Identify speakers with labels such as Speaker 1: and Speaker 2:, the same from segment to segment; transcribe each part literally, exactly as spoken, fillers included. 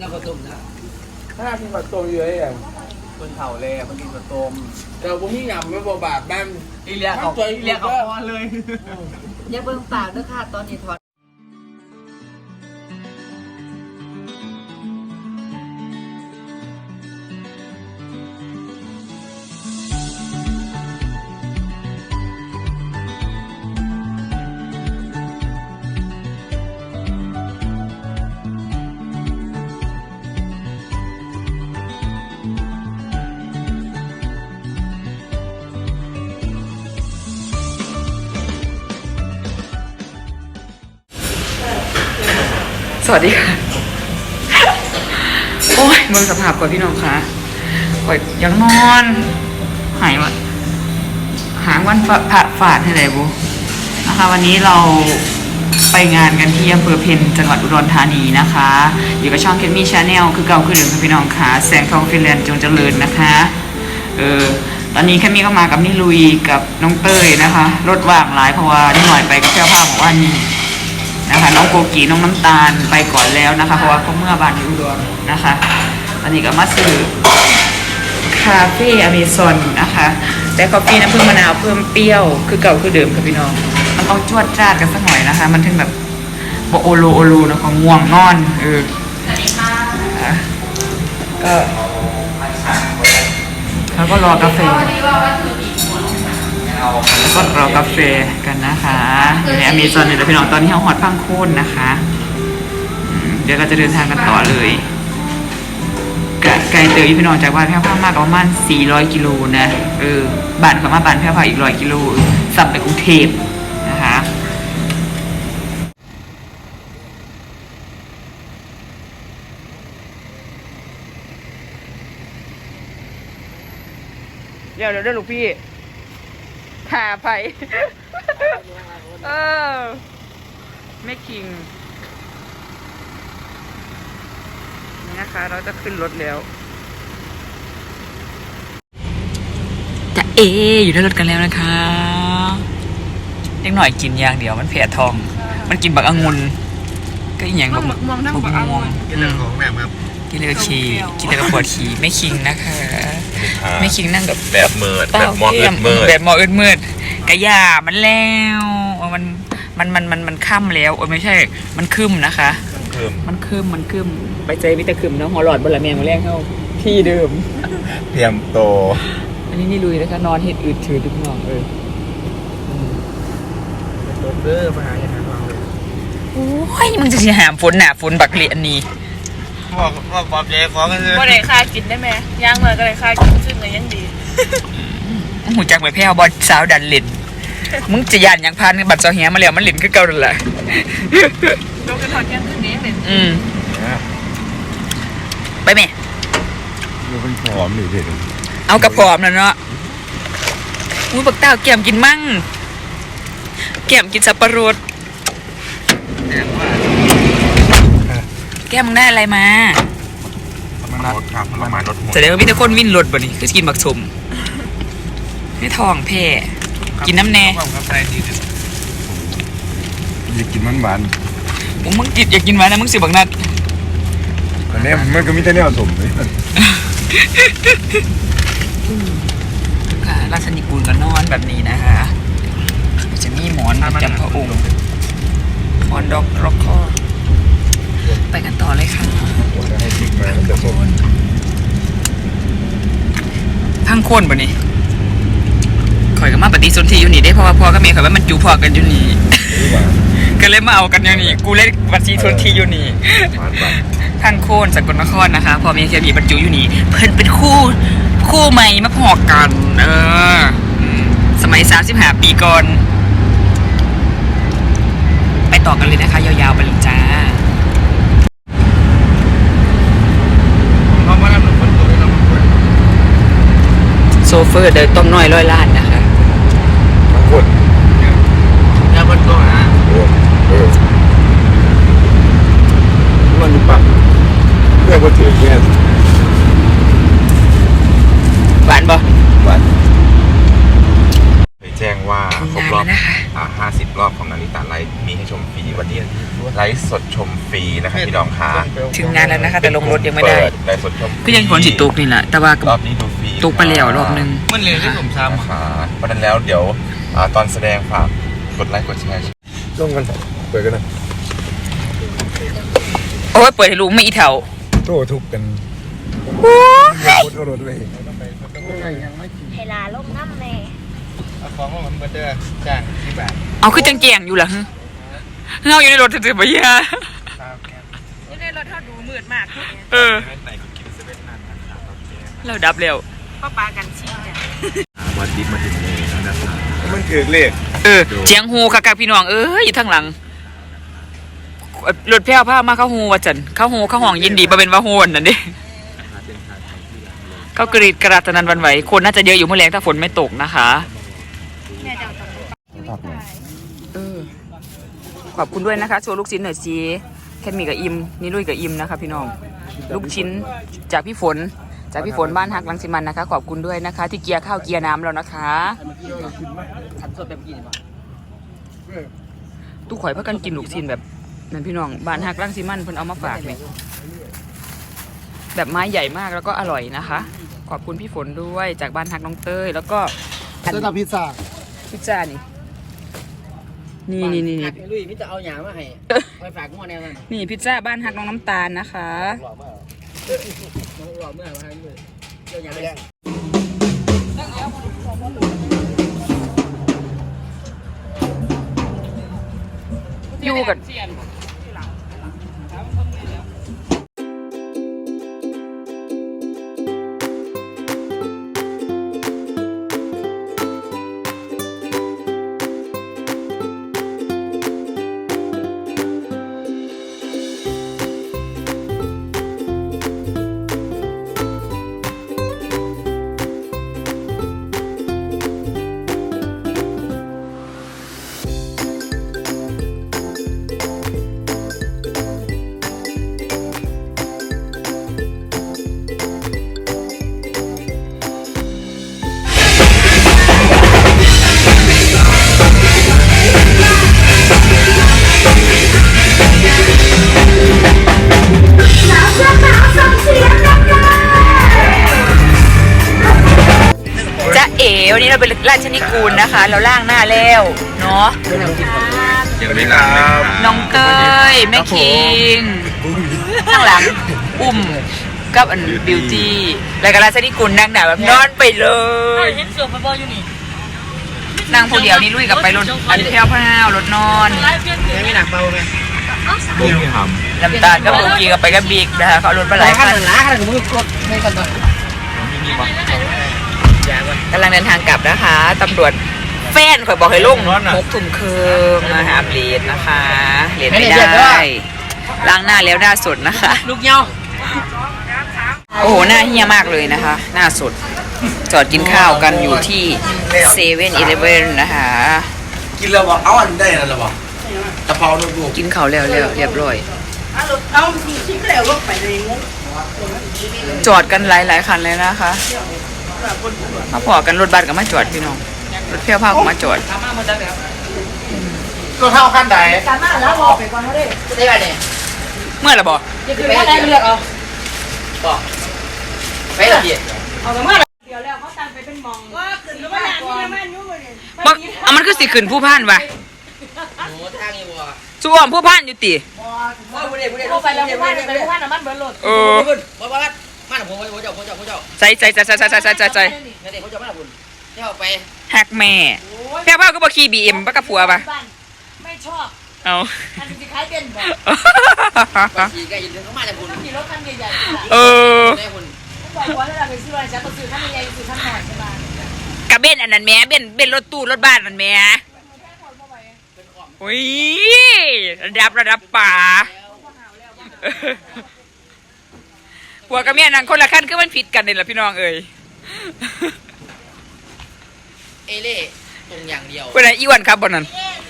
Speaker 1: แล้วก็ต้มนะ
Speaker 2: ถ้ากินผัดต้มเยอะอย่าง
Speaker 1: คนเผาเลยคนกินผัดต้ม
Speaker 2: แต่พวกนี้ยำไม่บาดบ้าน
Speaker 1: อีเลียเขาอีเลียเขาพอเลย
Speaker 3: อย่าเบิ่งปากด้วยค่ะตอนนี้ถอด
Speaker 4: สวัสดีค่ะโอ้ยมึงสภาพก่อนพี่น้องคะก่อนยังนอนหายวันหางวันผ่าฝาดให้ไหนบุนะคะวันนี้เราไปงานกันที่อำเภอเพ็ญจังหวัดอุดรธานีนะคะอยู่กับช่องเคมี่ชาแนลคือเก่าคือเดิมค่ะพี่น้องค่ะแสงทองฟินแลนด์จงเจริญนะคะเออตอนนี้แค่มีเข้ามากับนี่ลุยกับน้องเต้ยนะคะรถว่างหลายเพราะว่านี่หน่อยไปกับเพื่อนผ้าของว่านี่นะคะน้องโกกีน้องน้ำตาลไปก่อนแล้วนะคะเพราะว่าเขาเมื่อบ้านอยู่อุดรนะคะอันนี้ก็มาซื้อคาเฟ่อเมซอนนะคะแต่กาแฟน้ำผึ้งมะนาวเพิ่มเปรี้ยวคือเก่าคือเดิมค่ะพี่น้องมันต้องจวดจ้าดกันสักหน่อยนะคะมันถึงแบบโอโลโอโลนะของง่วงนอนเออก็แล้วก็รอกาแฟแล้วก็รอกาแฟกันนะคะอยู่ในอเมซอนเนี่ยพี่น้องตอนนี้เขาหอดพังโค่นนะคะเดี๋ยวเราจะเดินทางกันต่อเลยไกลเตยพี่น้องจากบ้านแพร่ผ้ามากประมาณสี่ร้อยกิโลนะเออบ้านเขามาบ้านแพร่ผ้าอีกร้อยกิโลสับไปกรุงเทพนะคะเดี๋ยวเดี๋ยวเดี๋ยวลูกพี่หาไปเออแม่คิงนี่นะคะเราจะขึ้นรถแล้วจะเออยู่ในรถกันแล้วนะคะเล็กหน่อยกินอย่างเดียวมันแผลทองมันกินบักองุ่นก็อย่างแบบบักม่วงบักม่วงกินเลยของแม่ครับกินเลยขี่กินเลยกับปวดขี่ไม่คิงนะคะไม่คิงนั่งกับ
Speaker 5: แบบเมิดแบบมออึดเมิด
Speaker 4: แบบมออึดเมิดกระยามันแล้วมันมันมันมันมันค่ำแล้วโอ้ไม่ใช่มันคืมนะคะมันคืมมันคืมไปใจมิตรคืมเนาะหัวหลอดบนละเมียงมาแรงเข้าที่เดิม
Speaker 5: เตรียมโต
Speaker 4: อันนี้นี่ลุยนะคะนอนเห็ดอืดถือทุกน้องเออ
Speaker 2: รถเด้อมาหาอย่างนั้นเราเลย
Speaker 4: โอ้ยมึงจะหามฝนหนาฝนบักเลียนนี่
Speaker 2: บอกบอกบอกเจ๊ฟ้องกันเลย
Speaker 3: บ่ได้ค่ากินได้ไหมย่างเลยก็ได้ค่ากินซึ่งเลยยังดี
Speaker 4: หูจักไปแพ้วบอลสาวดันเล่นมึงจะยันยังพันบัตรเจ้าเหี้ยมาแล้วมันเล่นก็เก่าเลยแหละ
Speaker 3: โดนกระถอนแก้มขึ้นนี้เป็น
Speaker 4: อืมไปไหม
Speaker 5: มันเป็นผอมหรือเด็ด
Speaker 4: เอากระผอมแล้วเนาะอุ้ยบักเต้าแก้มกินมั่งแก้มกินสับปะรดแก้มมึงได้อะไรมา
Speaker 5: มันรถครับประมาณรถ
Speaker 4: แสดงว่าพี่ตะคนวิ่งรถบ่นี่คือกินบักสมไม่ทองแพ่กินน้ำแน่
Speaker 5: อยากกินมันหวาน
Speaker 4: มึงมึงกินอยากกินหวานนะมึงสิบักนัด
Speaker 5: อันนี้มันก็มีแต่แนวสมเลย
Speaker 4: ค่ะราชนิกูลก็นอนแบบนี้นะคะจะมีหมอนประจำพระองค์หมอนดอกร็อกคอไปกันต่อเลยค่ะพังโค่นบ่นี่ข่อยก็มาปฏิสนธิอยู่นี่ได้เพราะว่าพ่อกับแม่ข่อยว่ามันจูพอกันอยู่นี่ก็เลยมาเอากันอย่างนี้กูเล่นปฏิสนธิอยู่นี่พังโค่นสกลนครนะคะพ่อแม่เคยมีบรรจุอยู่นี่เพิ่นเป็นคู่คู่ใหม่มาพอกันเออสมัยสามสิบห้าปีก่อนไปต่อกันเลยนะคะยาวๆไปเลยจ้าโซเฟอร์เดินต้มน้อยร้อยล้านนะคะ
Speaker 5: ทั้งคน
Speaker 2: แล้วคนตัวฮะ
Speaker 5: มันปักเพื่อว่าถือแค่
Speaker 4: หวานบ่
Speaker 5: หวานไปแจ้งว่าครบรอบอ่าห้าสิบร
Speaker 6: ก็ของนาริตะไลฟ์มีให้ชมฟรีวันนี้ไลฟ์สดชมฟรีนะครับพี่น้องคะ
Speaker 4: ถึงงานแล้วนะคะแต่ลงรถยังไม่ได้
Speaker 6: เปิไลฟ์สดชมฟรี
Speaker 4: ก็ยังฝนสิตกนี่แหละแต่ว่าร
Speaker 6: อบนี้ดูฟรี
Speaker 4: ตกไปแล้วรอบนึง
Speaker 2: มันเลยที่ผมท
Speaker 6: นะคะเพราะฉะนั้นแล้วเดี๋ยวอ่าตอนแสดงฝากกดไลค์กดแชร์
Speaker 5: ร่วมกันเปิดกันนะ
Speaker 4: โอ้ยเปิดให้รู้ไม่อีเถา
Speaker 5: โต้ทุบกันโคตรรถเลย
Speaker 7: เวลาลงน้ำแม่
Speaker 2: ำเอาของมาเหมือนเบอร์เดอร์จ้างที่บ้าน
Speaker 4: เอาคือจังแจงอยู่เหรอฮะเงาอยู่ในรถถือๆไปยา
Speaker 3: อยู่ในรถเท่าดูมืดมาก
Speaker 4: เออเราดับเร็ว
Speaker 3: ป้าปากันชิงเนี่ย
Speaker 6: วันดิบมาถึงเลยแล้วนะครับ
Speaker 5: มันถือเลข
Speaker 4: เออเจียงฮูค่ะกับพี่น้องเอ้ยอยู่ทางหลังรถแพ้วผ้ามาเข้าฮูว่าจันเข้าฮูเข้าห้องยินดีมาเป็นว่าฮูนนั่นดิเข้ากรีดกระดาษนันวันไหวคนน่าจะเยอะอยู่เมื่อแรงถ้าฝนไม่ตกนะคะเออขอบคุณด้วยนะคะโชว์ลูกชิ้นหน่อยสิแค่มีกับอิมนี่ลุยกับอิมนะคะพี่น้องลูกชิ้นจากพี่ฝนจากพี่ฝนบ้านฮักลังสิมันนะคะขอบคุณด้วยนะคะ ที่เกียร์ข้าวเกียร์น้ำแล้วนะคะตู้ข่อยเพื่อกันกินลูกชิ้นแบบนั่นพี่น้องบ้านฮักลังสิมันเพิ่นเอามาฝากเนี่ยแบบไม้ใหญ่มากแล้วก็อร่อยนะคะ ขอบคุณพี่ฝนด้วยจากบ้านฮักน้องเต้ยแล้วก็
Speaker 5: เส้นพิซซ่า
Speaker 4: พิซซ่านี่นี่นี่นี่
Speaker 2: ลุยมิจะเอาหยามาให้ไปฝากงวดแนวนั้น
Speaker 4: นี่พิซซ่าบ้านฮักน้องน้ำตาลนะคะ
Speaker 2: รอเมื่อวานเลยเจ้าหยาไปยัง
Speaker 4: อยู่กันจะเอ๋วันนี้เราเป็นราชนิกูลนะคะ เราล่างหน้าแล้วเนาะ
Speaker 6: ยังไม่ลาครับ
Speaker 4: น้องเต้ยแม่คิงข้างหลังอุ้มกับอันบิวตี้รายการราชนิกูลนั่งหนาแบบนอนไปเลย
Speaker 3: เห็นเสือมาบออยู่นี่
Speaker 4: นั่งผู้เดียวนี่ลุยกับไปรถอันแพ้วพร้าวรถนอน
Speaker 2: ไม่หนักเบาไหม
Speaker 6: บุ้งท
Speaker 4: ลำตาลก็โบกีกับไปกับบิ๊กนะคะเขาเอารถมาหลายคัน
Speaker 2: ล้าขนาดผมกดไม่กันต่อ
Speaker 4: กำลังเดินทางกลับนะคะตำรวจแฟนข่อยบอกให้ลงหกทุ่มครึ่งนะคะเลนนะคะเลนไม่ได้ล้างหน้าแล้วหน้าสดนะคะ
Speaker 3: ลูกเยา
Speaker 4: โอ้โหหน้าเฮี้ยมากเลยนะคะ หน้าสดจอดกินข้าวกันอยู่ที่เซเว่นอีเลฟเว่นนะคะ
Speaker 2: กินแล้วบอกเอาอันได้นั่นหรอบอกกะเพราลูก
Speaker 4: กินข้าวแล้วแล้วเรียบร้อยจอดกันหลายหลายคันเลยนะคะมาพอกันรถบัสกับมาจอดพี่น้องรถเที่ยวพากับมาจอด
Speaker 2: ๆตัวเท่าขั้นใด
Speaker 3: สามารถแล้วบอกไปก่อนเขาได้
Speaker 2: ได้ป่ะเนี่ย
Speaker 4: เมื่อไหร่บอก
Speaker 3: อย่าคือว่าได้เลือกเอา
Speaker 2: บอกไปละเอียด
Speaker 3: เอาแต่เมื่อเดี๋ยวแล้วเขาตั้งไปเป็นมองว่าขึ้นมาก่อน
Speaker 4: มันอ่ะมันคือสิขึ้นผู้พันวะ
Speaker 2: โอ้ทางนี้บัว
Speaker 4: ส่วมผู้พันอยู่ติ
Speaker 2: ว่าบุเรบุเร
Speaker 3: เขาไปแล้วว่าไปว่าน้ำมันเบิร์ลด
Speaker 4: เออ
Speaker 2: ว่าว่ามาหน่ะผมผมเจ้าผมเจ้าผมเจ้า
Speaker 4: ใส่ใส่ใส่ใส่ใส่ใส่ใส่ใส่ใส่
Speaker 2: นั่นเองผมเจ้ามาหน่ะคุณเจ้าไป
Speaker 4: หักแม่แค่ว่าก็บอกขี่บีเอ็มปะกับผัวปะ
Speaker 3: ไม่ชอบ
Speaker 4: เอา
Speaker 3: อันนี้คล้ายเป็นบอก
Speaker 2: บางทีแกยินดีเข้ามาแต่คุณ
Speaker 3: มีรถคันใหญ่
Speaker 4: เออ
Speaker 2: ได้คุณ
Speaker 3: ๆบอกว่าเราไปซื้ออะไรฉันก็ซื้อคันใหญ่ๆซื้อคันหน่อยใช่ไหม
Speaker 4: กับเบนอันนั้นแม่เบนเบนรถตู้รถบ้านมันแม่โอ้ยระดับระดับป่าผัวกับเมียนั่งคนละขั้นคือมันผิดกันเลยล่ะพี่น้องเอ้ย
Speaker 2: เอเล่ตรงอย่างเดียว
Speaker 4: เป็นไงอีวันครับบนนั้น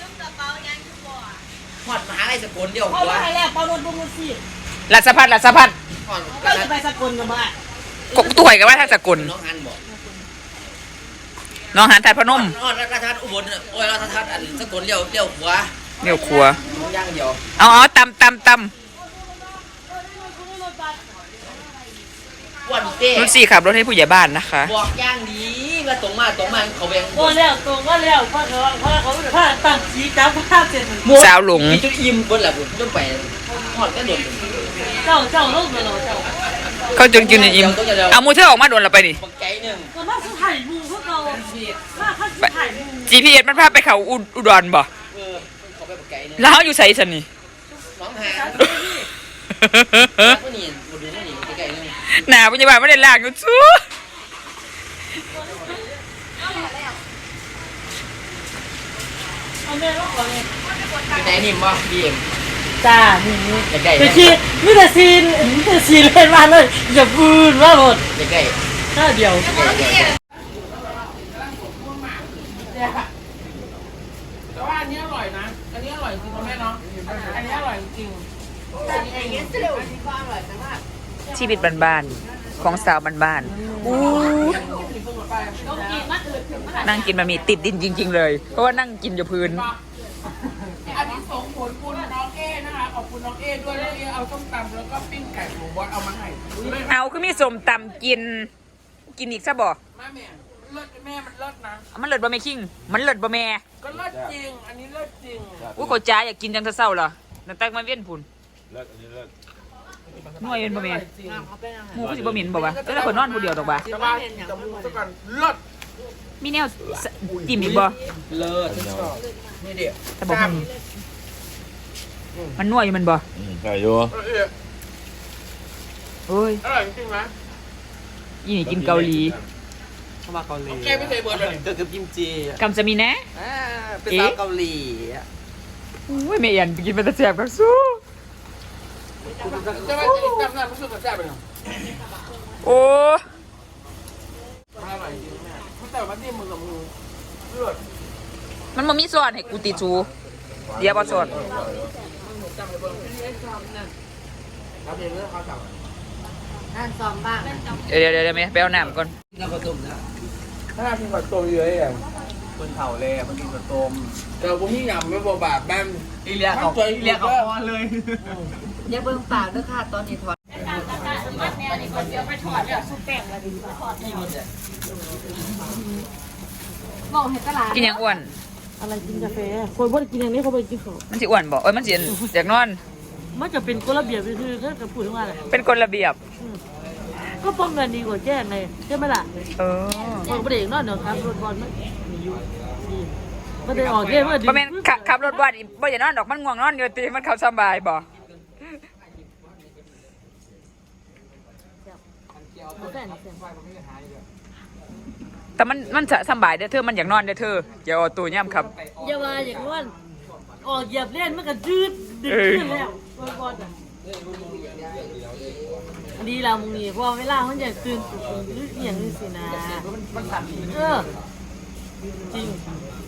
Speaker 2: หอดมหาลัยสกลเดียว
Speaker 3: เขา
Speaker 2: หัว
Speaker 3: ไปแล้วเปาโดนบุ้งสิ
Speaker 4: รัสพัฒน์รัสพัฒน์
Speaker 2: หอด
Speaker 3: ก็จะไปสกลกันบ้าง
Speaker 4: กกตัวไหกับว่าทางสกุล
Speaker 2: น้องอันบอก
Speaker 4: น้องหันทัดพนม
Speaker 2: นอนราชทัศน์อุบลโอ้ยราชทัศน์อันสกลเลี้ยวเลี้ยวขวา
Speaker 4: เดี๋ยวครัว
Speaker 2: ย่างเดียว
Speaker 4: เอาเอาตำตำต
Speaker 2: วันเต้
Speaker 4: ำรุ่นสี่ขับรถให้ผู้ใหญ่บ้านนะคะ
Speaker 2: บอกย่างดีมาตรงมาตรงมาเขาแบ่ง
Speaker 3: โอ้แล้วตรงก็แล้วเพราะเขาเพราะเขาผ้าตั้งสีจับผ้าเสร็จ
Speaker 4: สาวหลง
Speaker 2: จุดอิ่มเบิ้ลแหละผมต้องไปหอดกระโดด
Speaker 3: เจ้าเจ้าลูกเลยเจ้า
Speaker 4: เขาจึงกินอิ่มเอามูเธอออกมาโดนเราไปดิ
Speaker 2: บักไก่หนึ่ง
Speaker 3: ก็มาสุดถ่ายมูพวกเรามาข้าสุดถ่ายมู
Speaker 4: จีพีเอสมันพาไปเขาอุอุดรบ่
Speaker 2: เออเขาไปบักไก่หนึ่ง
Speaker 4: แล้วเขาอยู่ใส่สันนี่
Speaker 2: น้องหาผู้นี่ผู้ดูผู้นี่บักไก่หนึ่ง
Speaker 4: หนาผู้ใหญ่บ้านไม่ได้ลากอยู่ซู้
Speaker 3: เอาแม่ลูกก่อนเลย
Speaker 2: เป็นไหนนิ่มบ่ดีเอ็ม
Speaker 3: จ้านี่นี่
Speaker 2: บักไก่
Speaker 3: แต่ชีมีแต่ซีนมีแต่ซีนเล่นมาเลยอย่าบูนว่าหมด
Speaker 2: บักไก่
Speaker 3: แค่เดียว
Speaker 2: แต่ว่าอันนี้อร่อยนะอันนี้อร่อยจริงแม่เนาะอันนี้อร่อยจริง
Speaker 4: ชีวิตบ้านๆของสาวบ้านๆอู้นั่งกินมันมีติดดินจริง ๆ เลย เพราะว่านั่งกินอยู่พื้น
Speaker 2: อันนี้ส่งผลคุณน้องเอ้นะคะขอบคุณน้องเอ้ด้วยน้องเอ้เอาส้มตำแล้วก็ปิ้งไก่หมูบอสเอามาให้
Speaker 4: เอาคือมีสมตำกิน กินอีกซะบ่
Speaker 2: มาแม่เลิศแม่มันเลิศนะ
Speaker 4: มันเลิศบ่แม่คิงมันเลิศบ่แม่
Speaker 2: ก็เลิศจริงอันนี้เลิศจริง
Speaker 4: อุ้ยเขาจ้าอยากกินจังเศร้าๆเหรอนั่นตั้งมาเวียนพุ่น
Speaker 5: เลิศอันนี้เลิศ
Speaker 4: นัวเย็นบ่แม่หมูก็สิบ่เหม็นบ่วะแต่ถ้าคนนอนผู้เดียวดอกบ่
Speaker 2: แต่ว่าจะมูซะก่อนเลิศ
Speaker 4: มีแนวสจิ้มอีกบ่
Speaker 2: เลิศชอบนี่เดี๋ยว
Speaker 4: แต่บ่มีมันนัวอยู่มันบ่
Speaker 5: ใช่อยู่
Speaker 4: โอ้ย
Speaker 2: อร่อยจริงไหม
Speaker 4: อีนี่กินเกาหลี
Speaker 1: เข้ามาเกาหลี
Speaker 2: แกไม่เคยเบิร์ดเลย
Speaker 1: เจอกับกิมจิ
Speaker 4: กำจะมีแนะ
Speaker 1: อ่าเป็นสาวเกาหลี
Speaker 4: อุ้ยแม่เอียนไปกินเป็นตะแซ่บกับสู้
Speaker 2: จะไม่จำได้รู้สึกแซ่บไปเนาะ
Speaker 4: โอ้
Speaker 2: อร่อยจริงแม่แต่ว่าที่มือกับมือเลิศ
Speaker 4: มันบ่มีซอสให้กูติดชูเดี๋ยวบ่ซอส
Speaker 2: ครับเดี๋ยวเรื่องเขาสั่ง
Speaker 3: นั่นซ้อมบ้าง
Speaker 4: เดี๋ยวเดี๋ยวเดี๋ยวแม่ไปเอาน้ำก่อน
Speaker 2: น้ำผสมนะถ้าพี่ขอตัวเยอะอย่าง
Speaker 1: คนเถ่าเลยมันกินกระต้ม
Speaker 2: แต่พวกพี่ยำไม่บบาดแม่
Speaker 1: อีเลียเขาอีเลียเขาพอเลย
Speaker 3: อย่าเบิ่งปากด้วยค่ะตอนนี้ถอดบอกให้ตลาด
Speaker 4: กินหยังอ้วน
Speaker 3: อะไรกินกาแฟคนพวกกินอย่างนี้เขาไปกินของ
Speaker 4: มันสิอ้วนบ่เอ้ยมันสิอยากนอน
Speaker 3: มันจะเป็นกฎระเบียบคือถ้าจะพูดถึงว่าอะไร
Speaker 4: เป็นกฎระเบียบ
Speaker 3: ก็ป้องกันดีกว่าแจ้งไงใช่ไหมล่ะ
Speaker 4: เออ
Speaker 3: บอกประเด็นนอนเดี๋ยวครับรถบอลมันมีอยู่ดีมันได้ออกเกมมันดี
Speaker 4: บ่แม่นขับขับรถบ้านอีบ่อย่านอนดอกมันง่วงนอนอยู่ติมันเข้าสบายบ่แต่มันมันจะสบายเด้อเธอมันอยากนอนเด้อเธออย่าเอาตัวย่ำครับ
Speaker 3: อย่ามาอย่างนอนออกเหยียบเล่นมันก็จืดดึกขึ้นแล้วบอลดีแล้วมึงนี่พอเวลามันจะตื่นตื่นอย่างนี้สินะเออจริง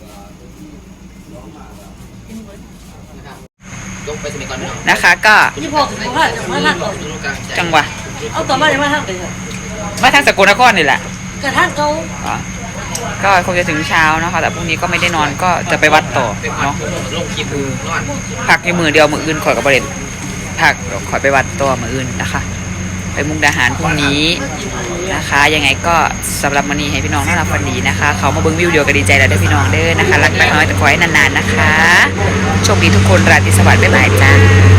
Speaker 2: ยกไปสมัยก่อนเนาะ
Speaker 4: นะคะก็
Speaker 3: ยี่พอถึงว่าจะมาทาง
Speaker 4: จังหวะ
Speaker 3: เอาต่อมาจะมาทางไหน
Speaker 4: มาทางสกลนครนี่แหละ
Speaker 3: กระทั่งเขา
Speaker 4: อ๋อก็คงจะถึงเช้าเนาะค่ะแต่พรุ่งนี้ก็ไม่ได้นอนก็จะไปวัดต่อเนาะ
Speaker 2: ลงคลิปนอน
Speaker 4: พักในมือเดียวมืออื่นขอยกับประเด็นพักเดี๋ยวขอยไปวัดตัวมืออื่นนะคะ ไปมุกดาหารพรุ่งนี้นะคะ ยังไงก็สำหรับมื้อนี้ให้พี่น้องนอนหลับฝันดีนะคะ เขามาเบิ้งวิวเดียวก็ดีใจแล้วเด้อพี่น้องเด้อนะคะรักน้อยแต่ขอให้นานๆนะคะโชคดีทุกคนราตรีสวัสดิ์บ๊ายบายจ้า